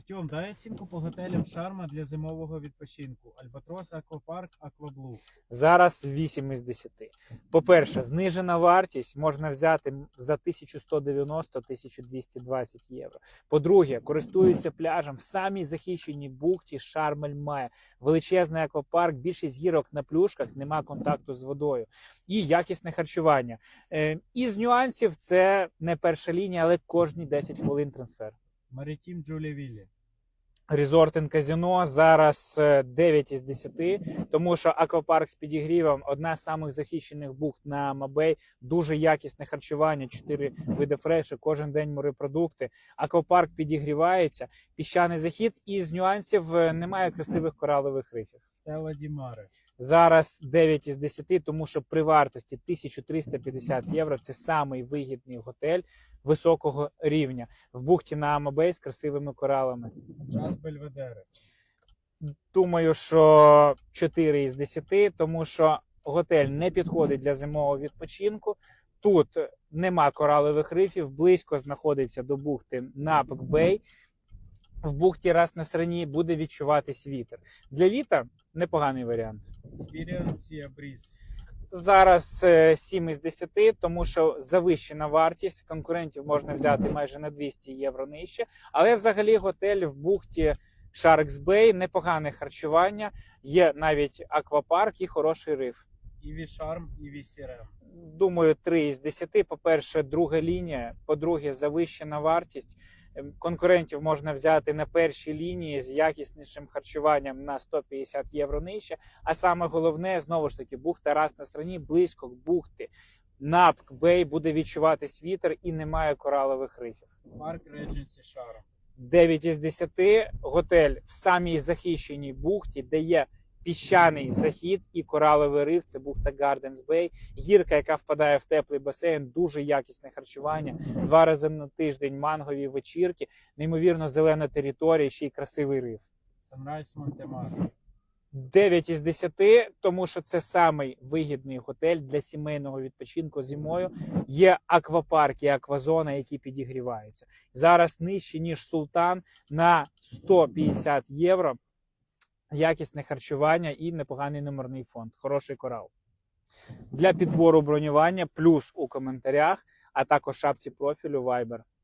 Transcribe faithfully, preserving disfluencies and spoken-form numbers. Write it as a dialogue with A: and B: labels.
A: Артем, дай оцінку по готелям Шарма для зимового відпочинку. Альбатрос, Аквапарк, Акваблу.
B: Зараз вісім із десяти. По-перше, знижена вартість можна взяти за тисячу сто дев'яносто - тисячу двісті двадцять євро. По-друге, користуються пляжем в самій захищеній бухті Шарм-ель-Має. Величезний аквапарк, більшість гірок на плюшках, нема контакту з водою. І якісне харчування. Е, із нюансів це не перша лінія, але кожні десять хвилин трансфер.
A: Марітім, Джулія-Віллі.
B: Резорт і казино зараз дев'ять із десяти, тому що аквапарк з підігрівом – одна з самих захищених бухт на Мабей, дуже якісне харчування, чотири види фрешу, кожен день морепродукти. Аквапарк підігрівається, піщаний захід, і з нюансів немає красивих коралових рифів.
A: Стела Ді Маре.
B: Зараз дев'ять із десяти, тому що при вартості тисяча триста п'ятдесят євро – це самий вигідний готель високого рівня в бухті на Амабей з красивими коралами.
A: Джаз Бельведере.
B: Думаю, що чотири із десяти, тому що готель не підходить для зимового відпочинку. Тут нема коралових рифів, близько знаходиться до бухти Напк-Бей. В бухті Рас Насрані буде відчуватись вітер. Для літа непоганий варіант.
A: Experience Sea Breeze.
B: Зараз сім із десяти, тому що завищена вартість, конкурентів можна взяти майже на двісті євро нижче, але взагалі готель в бухті Sharks Bay, непогане харчування, є навіть аквапарк і хороший риф.
A: Іві Шарм, Іві Сірем.
B: Думаю, три із десяти. По-перше, друга лінія, по-друге, завищена вартість. Конкурентів можна взяти на першій лінії з якіснішим харчуванням на сто п'ятдесят євро нижче. А саме головне, знову ж таки, бухта Рас Насрані, близько бухти. Напк-Бей буде відчуватись вітер і немає коралових рифів.
A: Парк Редженсі Шарм.
B: дев'ять із десяти. Готель в самій захищеній бухті, де є піщаний захід і кораловий риф, це бухта Гарденс Бей. Гірка, яка впадає в теплий басейн, дуже якісне харчування. Два рази на тиждень мангові вечірки, неймовірно зелена територія, ще й красивий риф.
A: Санрайз Монтемар.
B: дев'ять із десяти, тому що це самий вигідний готель для сімейного відпочинку зимою. Є аквапарк і аквазона, які підігріваються. Зараз нижче, ніж Султан, на сто п'ятдесят євро. Якісне харчування і непоганий номерний фонд. Хороший корал. Для підбору бронювання плюс у коментарях, а також шапці профілю Viber.